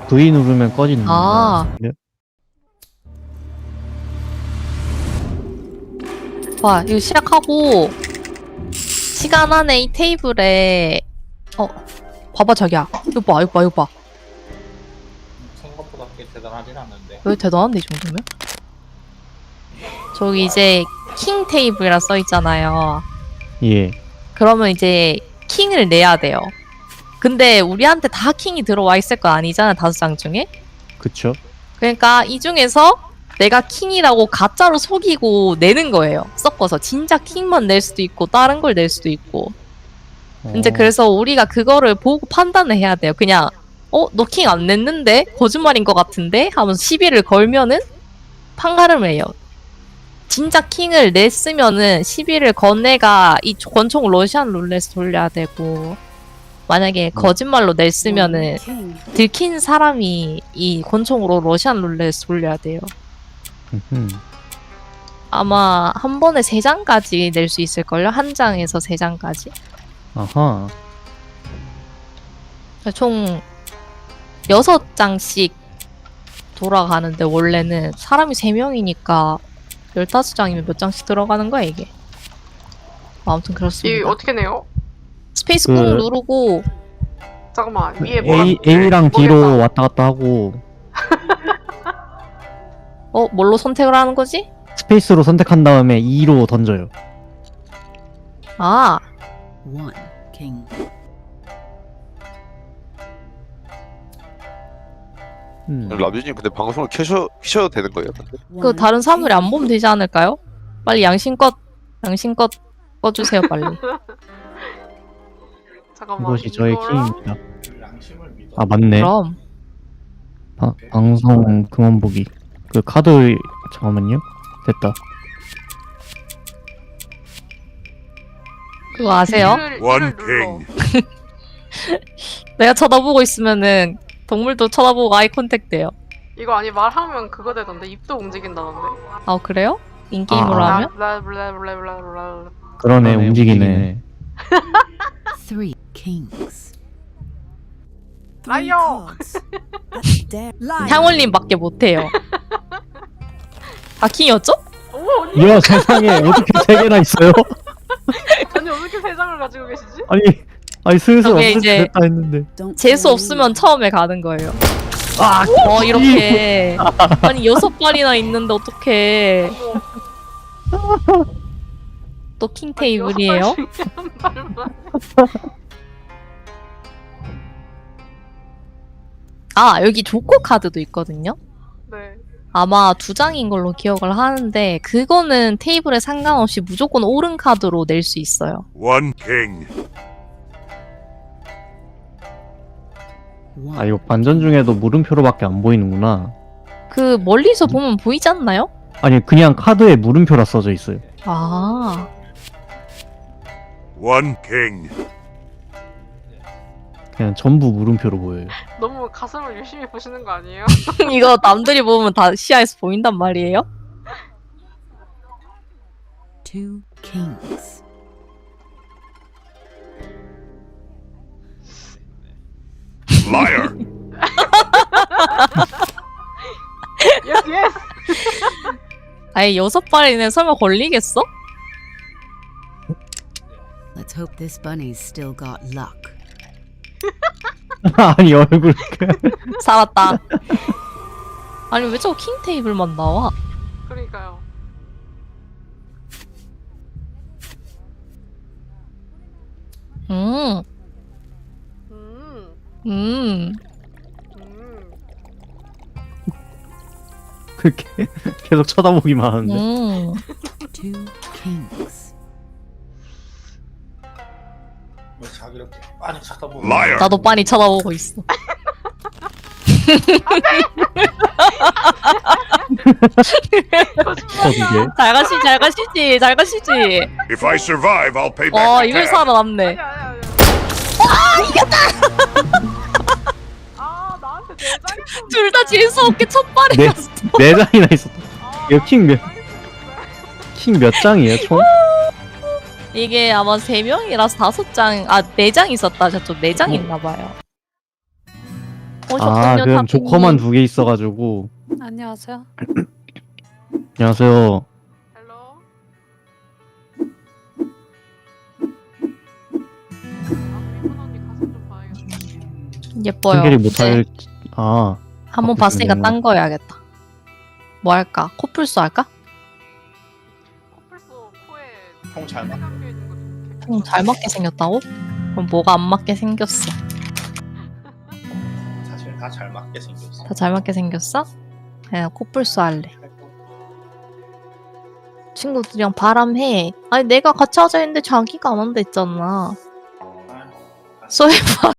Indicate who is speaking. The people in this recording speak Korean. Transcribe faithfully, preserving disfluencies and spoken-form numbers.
Speaker 1: V 누르면 꺼지는 거
Speaker 2: 아.
Speaker 1: 같은데요?
Speaker 2: 와, 이거 시작하고 시간 안에 이 테이블에 어 봐봐 자기야. 이거 봐, 이거 봐, 이거 봐.
Speaker 3: 생각보다 그렇게 대단하진 않는데.
Speaker 2: 왜 대단한데 이 정도면? 저기 이제 킹 테이블이라 써 있잖아요.
Speaker 1: 예.
Speaker 2: 그러면 이제 킹을 내야 돼요. 근데 우리한테 다 킹이 들어와 있을 거 아니잖아, 다섯 장 중에.
Speaker 1: 그쵸.
Speaker 2: 그러니까 이 중에서 내가 킹이라고 가짜로 속이고 내는 거예요. 섞어서 진짜 킹만 낼 수도 있고 다른 걸 낼 수도 있고. 이제
Speaker 1: 어.
Speaker 2: 그래서 우리가 그거를 보고 판단을 해야 돼요. 그냥 어? 너 킹 안 냈는데? 거짓말인 것 같은데? 하면서 시비를 걸면은 판가름을 해요. 진짜 킹을 냈으면은 시비를 건 애가 이 권총 러시안 룰렛을 돌려야 되고, 만약에 거짓말로 냈으면은 들킨 사람이 이 권총으로 러시안 룰렛을 돌려야 돼요.
Speaker 1: 음흠.
Speaker 2: 아마 한 번에 세 장까지 낼 수 있을걸요? 한 장에서 세 장까지.
Speaker 1: 아하.
Speaker 2: 총 여섯 장씩 돌아가는데 원래는 사람이 세 명이니까 열다섯 장이면 몇 장씩 들어가는 거야 이게. 아무튼
Speaker 4: 이
Speaker 2: 그렇습니다.
Speaker 4: 어떻게 내요?
Speaker 2: 스페이스
Speaker 1: 그-
Speaker 2: 꾹 누르고
Speaker 4: 잠깐만 위에 뭐가
Speaker 1: A, A랑 D로
Speaker 4: 모르겠다.
Speaker 1: 왔다 갔다 하고
Speaker 2: 어? 뭘로 선택을 하는 거지?
Speaker 1: 스페이스로 선택한 다음에 E로 던져요.
Speaker 2: 아,
Speaker 5: One king.
Speaker 1: 음.
Speaker 6: 라뷰님 근데 방송을 켜셔, 켜셔도 되는 거예요? 근데?
Speaker 2: 그 다른 사람들이 안 보면 되지 않을까요? 빨리 양심껏 양심껏 꺼주세요 빨리.
Speaker 4: 잠깐만
Speaker 1: 이것이 저의
Speaker 4: 이거랑
Speaker 1: 킹입니다.
Speaker 3: 양심을 믿어.
Speaker 1: 아 맞네.
Speaker 2: 그럼
Speaker 1: 바, 방송 그만 보기. 그 카드 잠깐만요. 됐다.
Speaker 2: 그거 아세요?
Speaker 4: 이를,
Speaker 7: One
Speaker 4: 이를 눌러.
Speaker 2: 내가 쳐다보고 있으면은 동물도 쳐다보고 아이 컨택 돼요.
Speaker 4: 이거 아니 말하면 그거 되던데 입도 움직인다던데.
Speaker 2: 아 그래요? 인게임으로
Speaker 1: 아,
Speaker 2: 하면?
Speaker 4: 블라블라블라블라블라.
Speaker 1: 그러네, 움직이네.
Speaker 5: Three kings.
Speaker 4: 라이어.
Speaker 2: 향올님밖에 못해요. 아 킹이었죠?
Speaker 4: 오 언니
Speaker 1: 이야 세상에 어떻게 세 개나 있어요?
Speaker 4: 언니 어떻게 세 장을 가지고 계시지?
Speaker 1: 아니 아니 슬슬
Speaker 2: 저게
Speaker 1: 없을
Speaker 2: 이제-
Speaker 1: 때 됐다 했는데.
Speaker 2: 재수 없으면 처음에 가는 거예요.
Speaker 1: 아
Speaker 2: 어 이렇게 아니 여섯 발이나 있는데 어떡해. 또 킹 테이블이에요?
Speaker 4: 여섯 발 중에 한 발만.
Speaker 2: 아 여기 조커 카드도 있거든요.
Speaker 4: 네.
Speaker 2: 아마 두 장인 걸로 기억을 하는데 그거는 테이블에 상관없이 무조건 오른 카드로 낼 수 있어요.
Speaker 7: One king.
Speaker 1: 아 이거 반전 중에도 물음표로밖에 안 보이는구나.
Speaker 2: 그 멀리서 보면 보이지 않나요?
Speaker 1: 아니 그냥 카드에 물음표라 써져 있어요.
Speaker 2: 아
Speaker 7: One king.
Speaker 1: 그냥 전부 물음표로 보여요.
Speaker 4: 너무 가슴을 유심히 보시는 거 아니에요?
Speaker 2: 이거 남들이 보면 다 시야에서 보인단 말이에요?
Speaker 5: Two kings.
Speaker 7: Liar.
Speaker 4: 예스 예스.
Speaker 2: 아예 여섯 발이네 설마 걸리겠어?
Speaker 5: Let's hope this bunny's still got luck.
Speaker 1: 아니 얼굴
Speaker 2: 살았다. 아니 왜 저거 킹 테이블만 나와?
Speaker 4: 그러니까요.
Speaker 2: 음,
Speaker 4: 음.
Speaker 2: 음.
Speaker 4: 음.
Speaker 1: 그렇게 계속 쳐다보기만 하는데.
Speaker 2: 음.
Speaker 5: Two kings.
Speaker 3: 뭐 자기 이렇게 많이 쳐다보고.
Speaker 7: Liar.
Speaker 2: 나도 빤히 쳐다보고 있어.
Speaker 1: 어디게?
Speaker 2: 잘 가시지, 잘 가시지, 잘 가시지.
Speaker 7: If I survive, I'll pay back
Speaker 2: 어,
Speaker 7: the
Speaker 2: 이걸
Speaker 7: tab.
Speaker 2: 살아남네.
Speaker 4: 아니 아니 아니. 아 이겼다. 아 나한테 네 장이
Speaker 2: 둘 다 재수 없게 첫 발에
Speaker 1: 네.
Speaker 2: 갔어.
Speaker 1: 네 장이나 있었다.
Speaker 4: 아,
Speaker 1: 이거 킹 몇-
Speaker 4: 나한테 네 장이 있었는데.
Speaker 1: 킹 몇 장이에요 총?
Speaker 2: 이게 아마 세 명이라서 다섯 장, 아, 네 장 있었다. 저쪽 네 장 있나 봐요. 오셨군요,
Speaker 1: 아, 그럼
Speaker 2: 타피님.
Speaker 1: 조커만 두 개 있어가지고.
Speaker 8: 안녕하세요.
Speaker 1: 안녕하세요.
Speaker 4: 헬로. 아, 미분 언니 가슴 좀 봐야겠다.
Speaker 2: 예뻐요.
Speaker 1: 한결이
Speaker 2: 이제
Speaker 1: 못할. 아,
Speaker 2: 한번
Speaker 1: 바꾸시면
Speaker 2: 봤으니까
Speaker 1: 되구나.
Speaker 2: 딴 거 해야겠다. 뭐 할까? 코뿔소 할까?
Speaker 4: 코뿔소 코에
Speaker 3: 통 잘 맞.
Speaker 4: 감겨 있는 거 좀.
Speaker 2: 좀 잘 맞게 생겼다고? 그럼 뭐가 안 맞게 생겼어?
Speaker 3: 사실 다 잘 맞게 생겼어.
Speaker 2: 다 잘 맞게 생겼어? 그냥 코뿔소 할래. 친구들이랑 바람해. 아니 내가 같이 하자 했는데 자기가 안 한다 했잖아.
Speaker 3: 아유,
Speaker 2: 소해봐.